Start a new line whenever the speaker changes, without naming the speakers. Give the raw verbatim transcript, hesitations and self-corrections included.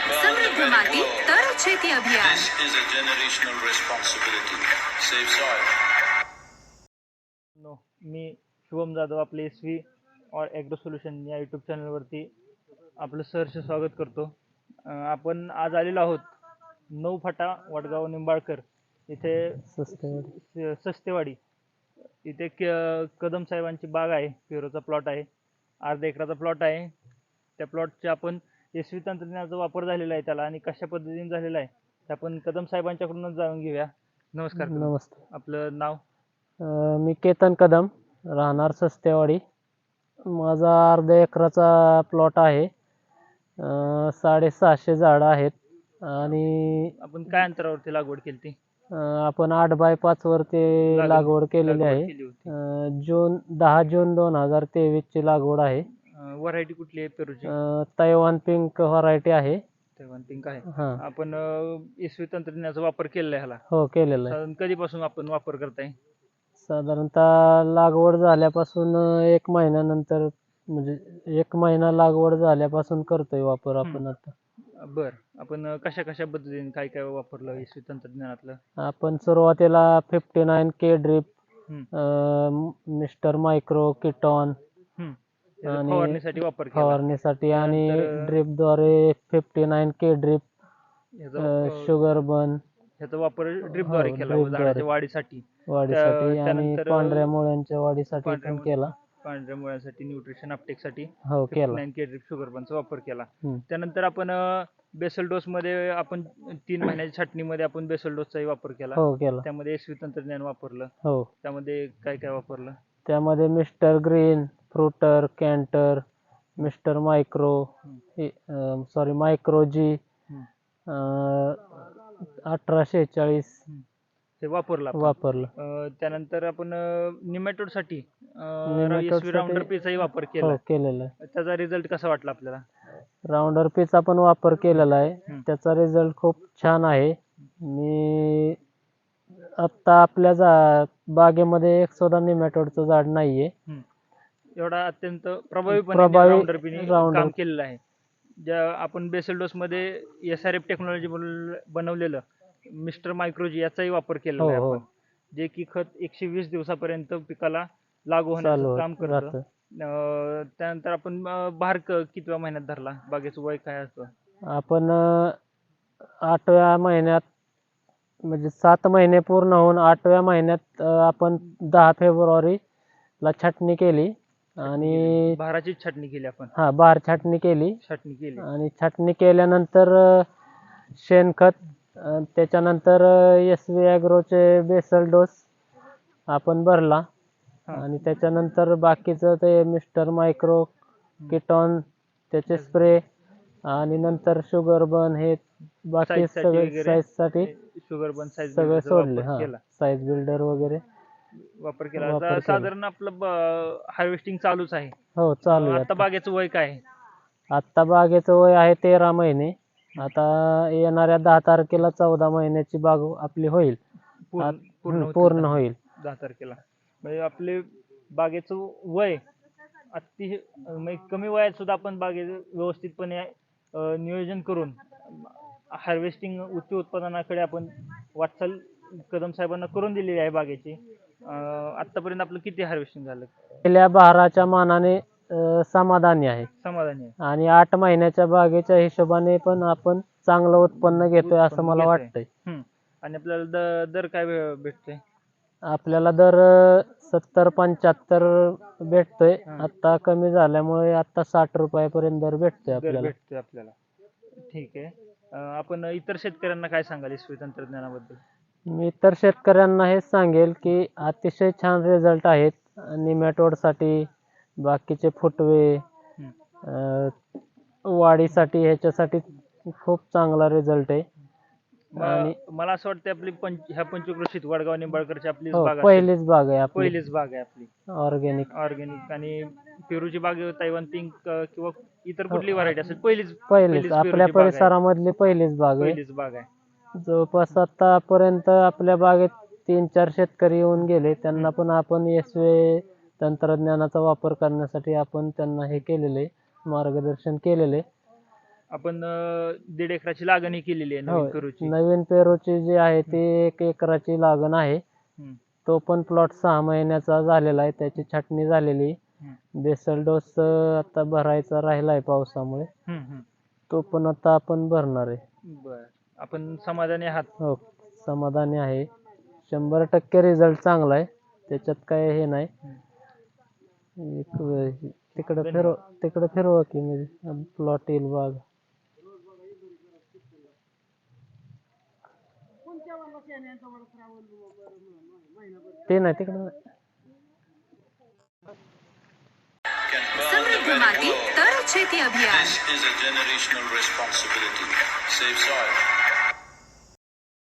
સમૃદ્ધ માટી તર છેતી અભિયાન.
This is a generational responsibility. Save soil.
नो मी शुभम जाधव आपले एस व्ही और ॲग्रो सोल्युशन या यूट्यूब चॅनलवरती आपलं सहर्ष स्वागत करतो. अं, आपण आज आलेलो आहोत नऊ फाटा वडगाव निंबाळकर इथे स- सस्तेवाडी इथे क कदम साहेबांची बाग आहे. पेरूचा प्लॉट आहे, अर्धा एकराचा प्लॉट आहे. त्या प्लॉटचे आपण एस व्ही तंत्रज्ञानाचा वापर झालेला आहे त्याला आणि कशा पद्धतीने झालेला आहे ते आपण कदम साहेबांच्याकडूनच जाणून घेऊया. नमस्कार कदम.
नमस्ते.
आपलं नाव?
अ, मी केतन कदम, राहणार सस्तेवाडी. माझा अर्धा एकराचा प्लॉट आहे. अ, साडेसहाशे झाडं आहेत आणि
आपण काय अंतरावरती लागवड केली ती?
अ, आपण आठ बाय पाच वरती
लागवड-
लागवड केलेली
लागवड
आहे.
केली होती.
अ, जून दहा जून दोन हजार तेवीस ची लागवड आहे.
व्हरायटी कुठली आहे पेरूची?
अ, तैवान पिंक व्हरायटी आहे.
तैवान पिंक आहे.
हा,
आपण एस व्ही तंत्रज्ञानाचा वापर केलेला आहे ह्याला.
हो केलेला आहे.
साधारण कधीपासून आपण वापर करताय?
साधारणतः लागवड झाल्यापासून एक महिन्यानंतर म्हणजे एक महिना लागवड झाल्यापासून करतोय वापर आपण आता.
बर, आपण कशा कशा पद्धतीने काय काय वापरलं एस व्ही तंत्रज्ञानातलं?
आपण सुरुवातीला फिफ्टी नाईन के ड्रिप,
हम्म.
मिस्टर मायक्रो, किटॉन
हम्म. त्याचा
आणि
फवारणीसाठी वापर केला.
फवारणीसाठी आणि
त्यानंतर-
ड्रिपद्वारे फिफ्टी नाईन के ड्रिप,
ह्याचा अं,
शुगर बन
ह्याचा वापर ड्रिपद्वारे
हो,
केला
drip
झाडाच्या
द्वारे.
वाढीसाठी,
वाढीसाठी आणि
त्यानंतर-
पांढऱ्या मुळ्यांच्या वाढीसाठी
पांढऱ्या
पण
मुळ-
केला.
पांढऱ्या मुळ्यासाठी, न्यूट्रिशन अपटेकसाठी
हो केला.
नाईन के ड्रिप शुगर बनचा वापर केला.
हम्म.
त्यानंतर आपण बेसल डोस मध्ये आपण तीन महिन्याच्या छाटणीमध्ये आपण बेसल डोसचाही वापर केला.
हो केला.
त्यामध्ये एस व्ही तंत्रज्ञान वापरलं.
हो,
त्यामध्ये काय काय वापरलं?
त्यामध्ये mister green, fruiter, canter, mister micro, sorry micro G, अठरा शेहेचाळीस
ते वापरलं आपण.
वापरलं.
अं, त्यानंतर आपण निमॅटोड साठी
Nematode साठी-
राऊंडर पीचाही वापर केला.
हो केलेला आहे.
त्याचा रिझल्ट कसा वाटला आपल्याला?
राऊंडर पीचा पण वापर केलेला आहे.
हम्म.
त्याचा रिझल्ट खूप छान आहे. मी आत्ता आपल्या जा बागेमध्ये एक सुद्धा निमॅटोडचं झाड नाहीये.
हम्म. एवढा अत्यंत प्रभावीपणे
प्रभावी
राऊंडर पीने
Roundup.
काम केलेलं आहे. ज्या आपण बेसल डोस मध्ये एस आर एफ टेक्नॉलॉजी बनवलेलं मिस्टर मायक्रोजी याचाही वापर केलेला
हो
आहे
हो
आपण, जे की खत एकशे वीस दिवसापर्यंत पिकाला लागू
चालू
होण्याचं काम
होत
करतं.
राहतं.
अं, त्यानंतर आपण अं, बहार क- कितव्या महिन्यात धरला? बागेचं वय काय असतं?
आपण अं, आठव्या महिन्यात म्हणजे सात महिने पूर्ण होऊन आठव्या महिन्यात अं, आपण दहा फेब्रुवारीला छाटणी केली आणि
बहाराची छाटणी केली आपण.
हा बहार छाटणी केली
छाटणी केली.
आणि छाटणी केल्यानंतर अं, शेणखत, अं, त्याच्यानंतर एस व्ही ॲग्रोचे बेसल डोस आपण भरला
हा.
आणि त्याच्यानंतर बाकीचं ते मिस्टर मायक्रो, किटॉन त्याचे स्प्रे आणि नंतर शुगर बन हे बाकी
Size साठी
सगळे
वगैरे
साईजसाठी
शुगर बन साईज
सगळे सोडले. हा
केला
साईज बिल्डर वगैरे
वापर केला.
वापर
आता
केला.
साधारण आपलं हार्वेस्टिंग चालूच आहे.
हो चालू आहे.
आता बागेचं वय काय आहे?
आता बागेचं वय आहे तेरा महिने. आता येणाऱ्या दहा तारखेला चौदा महिन्याची बाग आपली होईल.
पूर्ण
आत-
पूर्ण
हम्म,
होतील
पूर्ण
दहा-
होईल.
दहा तारखेला. म्हणजे आपले बागेचं वय अति म्हणजे कमी वयात सुद्धा आपण बागेचं व्यवस्थितपणे अं, नियोजन करून हार्वेस्टिंग उच्च उत्पादनाकडे आपण वाटचाल कदम साहेबांना करून दिलेली आहे बागेची. अं, आतापर्यंत आपलं किती हार्वेस्टिंग झालं?
गेल्या बहाराच्या मानाने अं, समाधानी आहे
समाधानी आहे.
आणि आठ महिन्याच्या बागेच्या हिशोबाने पण आपण चांगलं उत्पन्न घेतोय असं
उत्पन्न
मला
घेतोय.
वाटतंय.
हम्म. आणि आपल्याला द- दर काय भे- भेटतोय?
आपल्याला दर सत्तर पंच्याहत्तर भेटतोय.
हा.
आता कमी झाल्यामुळे आता साठ रुपयापर्यंत दर भेटतोय
दर
आपल्याला.
भेटतोय आपल्याला. ठीक आहे. अं, आपण इतर शेतकऱ्यांना काय सांगाल एस व्ही तंत्रज्ञानाबद्दल?
मी तर शेतकऱ्यांना हेच सांगेल की अतिशय छान रिझल्ट आहेत. निमॅटोडसाठी, बाकीचे फुटवे,
हम्म.
अं, वाढीसाठी ह्याच्यासाठी खूप चांगला रिझल्ट आहे. आणि
म- मला असं वाटतं आपली पंच ह्या पंचक्रोशीत वडगाव निंबाळकरची आपली
हो
बाग असेल.
पहिलीच बाग आहे आपली
पहिलीच बाग आहे आपली
ऑर्गॅनिक.
ऑर्गॅनिक. आणि पेरूची बाग तैवान पिंक किंवा इतर कुठली व्हरायटी असेल पहिलीच
पहिलीच
पहिलीच
आपल्या
पेरूची बाग आहे.
परिसरामधली पहिलीच बाग आहे.
पहिलीच बाग आहे.
जवळपास आतापर्यंत आपल्या बागेत तीन चार शेतकरी येऊन गेले. त्यांना पण आपण एस व्ही तंत्रज्ञानाचा वापर करण्यासाठी आपण त्यांना हे केलेले मार्गदर्शन केलेले
आपण अं, दीड एकराची लागणही केलेली आहे नवीन
होय.
करूची.
नवीन पेरूची जी आहे ती एक एकराची लागण आहे.
हम्म,
तो पण प्लॉट सहा महिन्याचा झालेला आहे. त्याची छाटणी झालेली.
हम्म,
बेसल डोस आता भरायचा राहिला आहे पावसामुळे.
हम्म, हम्म.
तो पण आता आपण भरणार आहे.
बर, आपण समाधानी आहात?
हो, समाधानी आहे. शंभर टक्के रिझल्ट चांगला आहे. त्याच्यात काय हे नाही. एक वेळ तिकडं फिरव तिकडं फिरवा की म्हणजे प्लॉट येईल बाग. ते नाही तिकडं नाही.
Can burn the
સમૃદ્ધ
very
માટી
glow.
તર છેતી અભિયાન
This is a generational responsibility. Save soil.